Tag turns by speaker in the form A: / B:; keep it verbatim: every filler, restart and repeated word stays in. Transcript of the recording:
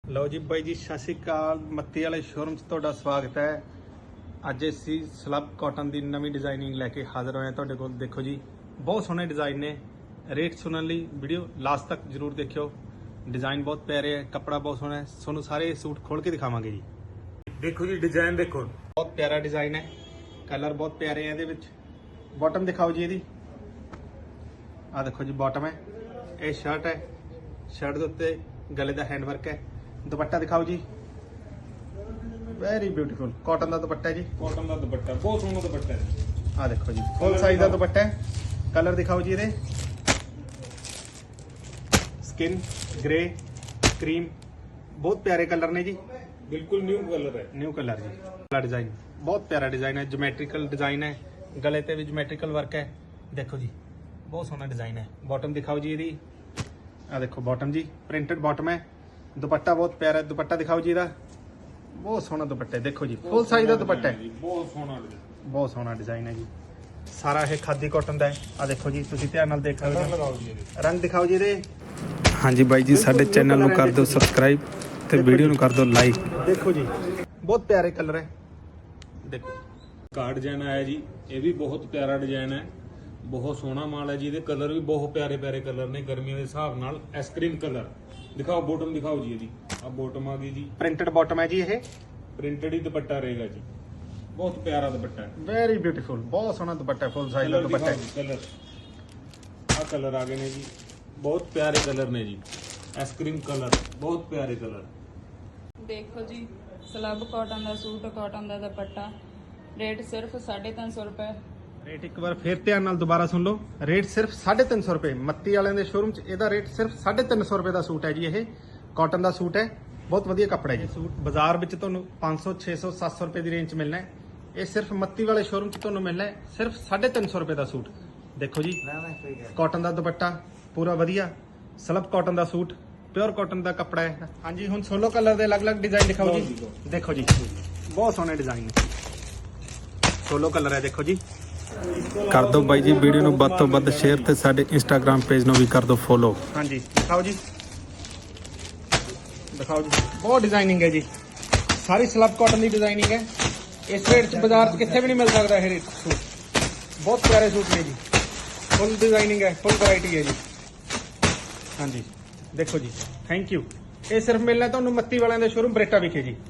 A: ਲਓ ਜੀ ਬਾਈ ਜੀ, ਸਤਿ ਸ਼੍ਰੀ ਅਕਾਲ। ਮੱਤੀ ਵਾਲੇ ਸ਼ੋਰੂਮ 'ਚ ਤੁਹਾਡਾ ਸਵਾਗਤ ਹੈ। ਅੱਜ ਅਸੀਂ ਸਲੱਬ ਕਾਟਨ ਦੀ ਨਵੀਂ ਡਿਜ਼ਾਈਨਿੰਗ ਲੈ ਕੇ ਹਾਜ਼ਰ ਹੋਏ ਹਾਂ ਤੁਹਾਡੇ ਕੋਲ। ਦੇਖੋ ਜੀ, ਬਹੁਤ ਸੋਹਣੇ ਡਿਜ਼ਾਈਨ ਨੇ। ਰੇਟ ਸੁਣਨ ਲਈ ਵੀਡੀਓ ਲਾਸਟ ਤੱਕ ਜ਼ਰੂਰ ਦੇਖਿਓ। ਡਿਜ਼ਾਈਨ ਬਹੁਤ ਪਿਆਰੇ ਹੈ, ਕੱਪੜਾ ਬਹੁਤ ਸੋਹਣਾ ਹੈ। ਤੁਹਾਨੂੰ ਸਾਰੇ ਸੂਟ ਖੋਲ ਕੇ ਦਿਖਾਵਾਂਗੇ ਜੀ। ਦੇਖੋ ਜੀ, ਡਿਜ਼ਾਈਨ ਦੇਖੋ, ਬਹੁਤ ਪਿਆਰਾ ਡਿਜ਼ਾਈਨ ਹੈ। ਕਲਰ ਬਹੁਤ ਪਿਆਰੇ ਹੈ ਇਹਦੇ ਵਿੱਚ। ਬਾਟਮ ਦਿਖਾਓ ਜੀ ਇਹਦੀ। ਆ ਦੇਖੋ ਜੀ, ਬਾਟਮ ਹੈ। ਇਹ ਸ਼ਰਟ ਹੈ। ਸ਼ਰਟ ਦੇ ਉੱਤੇ ਗਲੇ ਦਾ ਹੈਂਡ ਵਰਕ ਹੈ। ਦੁਪੱਟਾ ਦਿਖਾਓ ਜੀ, ਵੈਰੀ ਬਿਊਟੀਫੁਲ ਕਾਟਨ ਦਾ ਦੁਪੱਟਾ ਹੈ ਜੀ।
B: ਕਾਟਨ ਦਾ ਦੁਪੱਟਾ ਬਹੁਤ ਸੋਹਣਾ ਦੁਪੱਟਾ ਹੈ।
A: ਆ ਦੇਖੋ ਜੀ, ਫੁੱਲ ਸਾਈਜ਼ ਦਾ ਦੁਪੱਟਾ ਹੈ। ਕਲਰ ਦਿਖਾਓ ਜੀ ਇਹਦੇ। ਸਕਿਨ ਗ੍ਰੇ, ਕਰੀਮ, ਬਹੁਤ ਪਿਆਰੇ ਕਲਰ ਨੇ ਜੀ।
B: ਬਿਲਕੁਲ ਨਿਊ ਕਲਰ ਹੈ।
A: ਨਿਊ ਕਲਰ ਜੀ। ਕਲਰ ਡਿਜ਼ਾਈਨ ਬਹੁਤ ਪਿਆਰਾ ਡਿਜ਼ਾਈਨ ਹੈ। ਜਿਓਮੈਟ੍ਰੀਕਲ ਡਿਜ਼ਾਈਨ ਹੈ। ਗਲੇ ਤੇ ਵੀ ਜਿਓਮੈਟ੍ਰੀਕਲ ਵਰਕ ਹੈ। ਦੇਖੋ ਜੀ, ਬਹੁਤ ਸੋਹਣਾ ਡਿਜ਼ਾਈਨ ਹੈ। ਬਾਟਮ ਦਿਖਾਓ ਜੀ ਇਹਦੀ। ਆ ਦੇਖੋ ਬਾਟਮ ਜੀ, ਪ੍ਰਿੰਟਡ ਬਾਟਮ ਹੈ। ਦੁਪੱਟਾ ਬਹੁਤ ਪਿਆਰਾ ਹੈ। ਦੁਪੱਟਾ ਦਿਖਾਓ ਜੀ ਇਹਦਾ। ਬਹੁਤ ਸੋਹਣਾ ਦੁਪੱਟਾ ਹੈ। ਦੇਖੋ ਜੀ, ਫੁੱਲ ਸਾਈਜ਼ ਦਾ ਦੁਪੱਟਾ ਹੈ।
B: ਬਹੁਤ ਸੋਹਣਾ ਡਿਜ਼ਾਈਨ,
A: ਬਹੁਤ ਸੋਹਣਾ ਡਿਜ਼ਾਈਨ ਹੈ ਜੀ। ਸਾਰਾ ਇਹ ਖਾਦੀ ਕਾਟਨ ਦਾ ਹੈ। ਆ ਦੇਖੋ ਜੀ, ਤੁਸੀਂ ਧਿਆਨ ਨਾਲ ਦੇਖ ਸਕਦੇ ਹੋ।
B: ਲਗਾਓ ਜੀ ਇਹਦੇ।
A: ਰੰਗ ਦਿਖਾਓ ਜੀ ਇਹਦੇ।
C: ਹਾਂਜੀ ਬਾਈ ਜੀ, ਸਾਡੇ ਚੈਨਲ ਨੂੰ ਕਰ ਦਿਓ ਸਬਸਕ੍ਰਾਈਬ ਤੇ ਵੀਡੀਓ ਨੂੰ ਕਰ ਦਿਓ ਲਾਈਕ।
A: ਦੇਖੋ ਜੀ, ਬਹੁਤ ਪਿਆਰੇ ਕਲਰ ਹੈ। ਦੇਖੋ
B: ਕਾਰਡ ਡਿਜ਼ਾਈਨ ਆਇਆ ਜੀ, ਇਹ ਵੀ ਬਹੁਤ ਪਿਆਰਾ ਡਿਜ਼ਾਈਨ ਹੈ। ਬਹੁਤ ਸੋਹਣਾ ਮਾਲ ਹੈ ਜੀ। ਇਹਦੇ ਕਲਰ ਵੀ ਬਹੁਤ ਪਿਆਰੇ ਪਿਆਰੇ ਕਲਰ ਨੇ, ਗਰਮੀਆਂ ਦੇ ਹਿਸਾਬ ਨਾਲ। ਆਈਸਕ੍ਰੀਮ ਕਲਰ ਦਿਖਾਓ। ਬੋਟਮ ਦਿਖਾਓ ਜੀ ਇਹਦੀ। ਆ ਬੋਟਮ ਆ ਗਈ ਜੀ,
A: ਪ੍ਰਿੰਟਡ ਬਾਟਮ ਹੈ ਜੀ। ਇਹ
B: ਪ੍ਰਿੰਟਡ ਹੀ ਦੁਪੱਟਾ ਰਹੇਗਾ ਜੀ। ਬਹੁਤ ਪਿਆਰਾ ਦੁਪੱਟਾ ਹੈ।
A: ਵੈਰੀ ਬਿਊਟੀਫੁਲ, ਬਹੁਤ ਸੋਹਣਾ ਦੁਪੱਟਾ ਹੈ। ਫੁੱਲ ਸਾਈਜ਼ ਦਾ ਦੁਪੱਟਾ ਹੈ।
B: ਕਲਰ ਆ ਕਲਰ ਆ ਗਏ ਨੇ ਜੀ, ਬਹੁਤ ਪਿਆਰੇ ਕਲਰ ਨੇ ਜੀ। ਆਈਸਕ੍ਰੀਮ ਕਲਰ, ਬਹੁਤ ਪਿਆਰੇ ਕਲਰ।
D: ਦੇਖੋ ਜੀ, ਸਲੱਬ ਕਾਟਨ ਦਾ ਸੂਟ, ਕਾਟਨ ਦਾ ਦੁਪੱਟਾ। ਰੇਟ ਸਿਰਫ ਸਾਢੇ ਤਿੰਨ ਸੌ ਰੁਪਏ।
A: ਰੇਟ ਇੱਕ ਵਾਰ ਫੇਰ ਧਿਆਨ ਨਾਲ ਦੁਬਾਰਾ ਸੁਣ ਲਓ। ਰੇਟ ਸਿਰਫ ਸਾਢੇ ਤਿੰਨ ਸੌ ਰੁਪਏ। ਮੱਤੀ ਵਾਲਿਆਂ ਦੇ ਸ਼ੋਰੂਮ 'ਚ ਇਹਦਾ ਰੇਟ ਸਿਰਫ ਸਾਢੇ ਤਿੰਨ ਸੌ ਰੁਪਏ ਦਾ ਸੂਟ ਹੈ ਜੀ। ਇਹ ਕਾਟਨ ਦਾ ਸੂਟ ਹੈ, ਬਹੁਤ ਵਧੀਆ ਕੱਪੜਾ ਹੈ ਜੀ। ਸੂਟ ਬਾਜ਼ਾਰ ਵਿੱਚ ਤੁਹਾਨੂੰ ਪੰਜ ਸੌ, ਛੇ ਸੌ, ਸੱਤ ਸੌ ਰੁਪਏ ਦੀ ਰੇਂਜ 'ਚ ਮਿਲਣਾ ਹੈ। ਇਹ ਸਿਰਫ ਮੱਤੀ ਵਾਲੇ ਸ਼ੋਰੂਮ 'ਚ ਤੁਹਾਨੂੰ ਮਿਲਣਾ ਹੈ ਸਿਰਫ ਸਾਢੇ ਤਿੰਨ ਸੌ ਰੁਪਏ ਦਾ ਸੂਟ। ਦੇਖੋ ਜੀ, ਕਾਟਨ ਦਾ ਦੁਪੱਟਾ ਪੂਰਾ ਵਧੀਆ। ਸਲਬ ਕਾਟਨ ਦਾ ਸੂਟ, ਪਿਓਰ ਕਾਟਨ ਦਾ ਕੱਪੜਾ ਹੈ। ਹਾਂਜੀ, ਹੁਣ ਸੋਲੋ ਕਲਰ ਦੇ ਅਲੱਗ-ਅਲੱਗ ਡਿਜ਼ਾਈਨ ਦਿਖਾਓ ਜੀ। ਦੇਖੋ ਜੀ, ਬਹੁਤ ਸੋਹਣੇ ਡਿਜ਼ਾਈਨ ਨੇ। ਸੋਲੋ ਕਲਰ ਹੈ, ਦੇਖੋ ਜੀ।
C: ਕਰ ਦਿਓ ਬਾਈ ਜੀ ਵੀਡੀਓ ਨੂੰ ਵੱਧ ਤੋਂ ਵੱਧ ਸ਼ੇਅਰ ਤੇ ਸਾਡੇ ਇੰਸਟਾਗ੍ਰam ਪੇਜ ਨੂੰ ਵੀ ਕਰ ਦਿਓ ਫੋਲੋ।
A: ਹਾਂਜੀ, ਦਿਖਾਓ ਜੀ, ਦਿਖਾਓ ਜੀ, ਬਹੁਤ ਡਿਜ਼ਾਈਨਿੰਗ ਹੈ ਜੀ। ਸਾਰੀ ਸਲਬ ਕਾਟਨ ਦੀ ਡਿਜ਼ਾਈਨਿੰਗ ਹੈ। ਇਸ ਰੇਟ 'ਚ ਬਾਜ਼ਾਰ 'ਚ ਕਿੱਥੇ ਵੀ ਨਹੀਂ ਮਿਲ ਸਕਦਾ ਇਹ ਰੇਟ ਸੂਟ। ਬਹੁਤ ਪਿਆਰੇ ਸੂਟ ਨੇ ਜੀ। ਫੁੱਲ ਡਿਜ਼ਾਈਨਿੰਗ ਹੈ, ਫੁੱਲ ਵੈਰਾਈਟੀ ਹੈ ਜੀ। ਹਾਂਜੀ, ਦੇਖੋ ਜੀ, ਥੈਂਕ ਯੂ। ਇਹ ਸਿਰਫ ਮਿਲਣਾ ਤੁਹਾਨੂੰ ਮੱਤੀ ਵਾਲਿਆਂ ਦੇ ਸ਼ੋਰੂਮ ਬਰੇਟਾ ਵਿਖੇ ਜੀ।